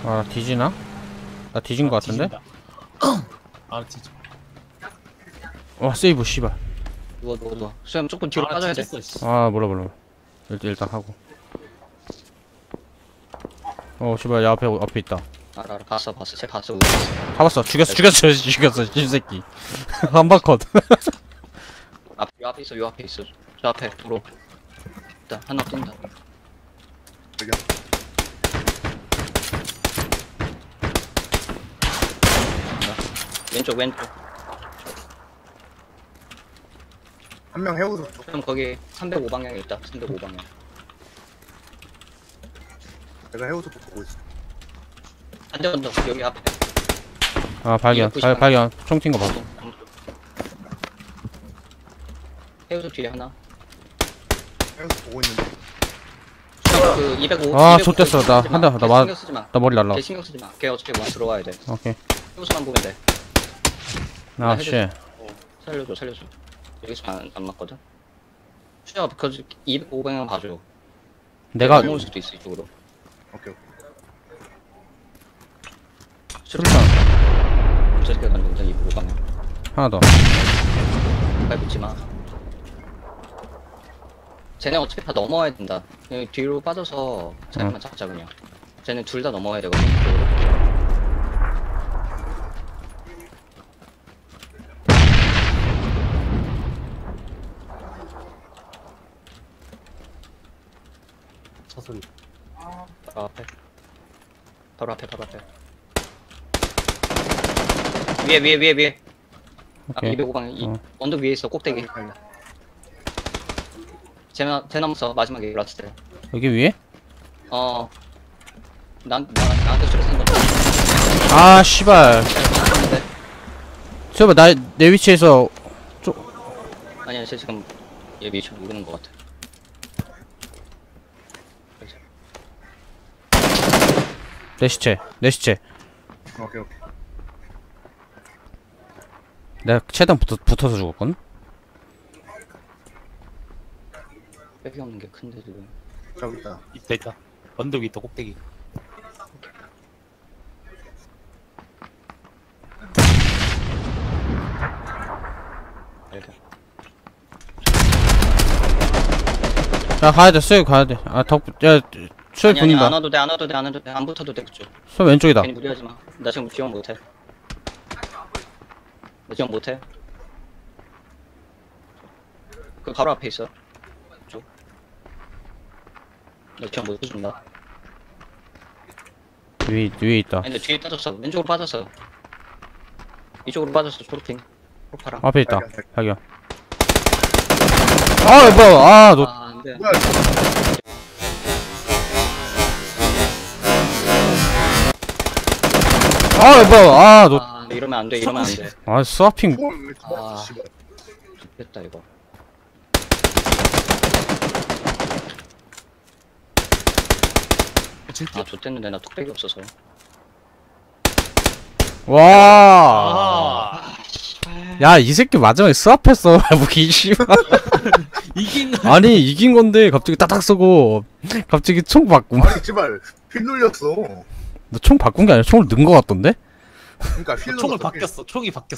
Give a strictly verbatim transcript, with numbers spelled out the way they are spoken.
아 뒤지나? 나 뒤진 거 같은데? 아 뒤져. 와 세이브 씨발. 누워 누워 누워. 수염 조금 뒤로 아, 빠져야 돼. 뒤졌어, 씨. 아 몰라 몰라. 일단 일단 하고. 어 씨발 야 앞에 앞에 있다. 알아 알아 봤어 봤어. 쟤 봤어. 잡았어. 죽였어 죽였어 죽였어 쥐새끼. 한바컷. 앞, 요 앞에 있어 요 앞에 있어. 저 앞에 도로. 일단 하나 뛴다. 저기요. 왼쪽 왼쪽. 한 명 해우소 쪽. 그럼 거기 삼백오 방향에 있다. 삼백오 방향. 내가 해우소 쪽 보고 있어. 반대 언덕 여기 앞에. 아 발견 발, 발견 총 튄 거 봐. 해우소 뒤에 하나. 해우소 보고 있는데. 그 이백오. 아 좆됐어 나 한 대 나 맞. 신경 쓰지 마. 나 머리 날라. 걔 신경 쓰지 마. 걔 어차피 와 들어와야 돼. 오케이. 해우소만 보면 돼. 아 씨. 살려줘 살려줘. 여기서 안, 안 맞거든. 수야 그 이백오 방향 봐줘. 내가 넘어올 수도 있어 이쪽으로. 오케이 오케이. 수류탄. 저 새끼가 던져 이백오 방향. 하나 더. 밟지 마. 쟤네 어차피 다 넘어와야 된다. 여기 뒤로 빠져서 쟤네만 잡자 그냥. 쟤네 둘 다 넘어와야 되거든. 이쪽으로. 차 소리. 바로 앞에. 바로 앞에 바로 앞에. 위에 위에 위에 위에. 아, 오케이. 이백오 방향 이 어. 언덕 위에 있어 꼭대기. 쟤나 쟤나무서 마지막에 라스트 때. 여기 위에? 어. 난 나, 나한테 수리 쓴 거. 아 씨발. 저봐 나 내 위치에서 아니야 쟤 지금 얘 위치 모르는 것 같아. 내 시체 내 시체. 오케이 오케이. 내가 최대한 붙어, 붙어서 죽었거든? 빽이 없는 게 큰데 지금. 저기 있다. 있다 있다. 언덕 있다 꼭대기. 이렇게. 야 가야돼 수육 가야돼. 아 덕.. 야 수육 아니 아니 안 붙는다. 와도 돼 안 와도 돼 안 와도 돼 안 붙어도 돼 그쪽. 수육 왼쪽이다. 괜히 무리하지 마. 나 지금 지원 못해. 나 지원 못해. 그 바로 앞에 있어. 쪽. 나 지원 못 해준다. 위, 위에 있다. 아니 근데 뒤에 빠졌어. 왼쪽으로 빠졌어. 이쪽으로 빠졌어. 초록핑. 초록파랑. 앞에 있다. 발견, 발견. 아 뭐야 아 너 아 안돼. 뭐야? 아 뭐야 아너 아 이러면 안 돼. 이러면 안 돼. 아 스와핑. 뭘 왜 저거 아. 씨발. 됐다 이거. 아 좋댔는데 나 뚝배기 없어서. 와. 아 야 이 새끼 마지막에 스왑했어. 무기 씨발. 이긴. 아니 이긴 건데 갑자기 따닥 쏘고 갑자기 총 바꿈. 아니 씨발 휠 눌렸어. 너 총 바꾼 게 아니라 총을 넣은 거 같던데? 그러니까 휠 총을 눌렀어, 휠. 바뀌었어. 총이 바뀌었어.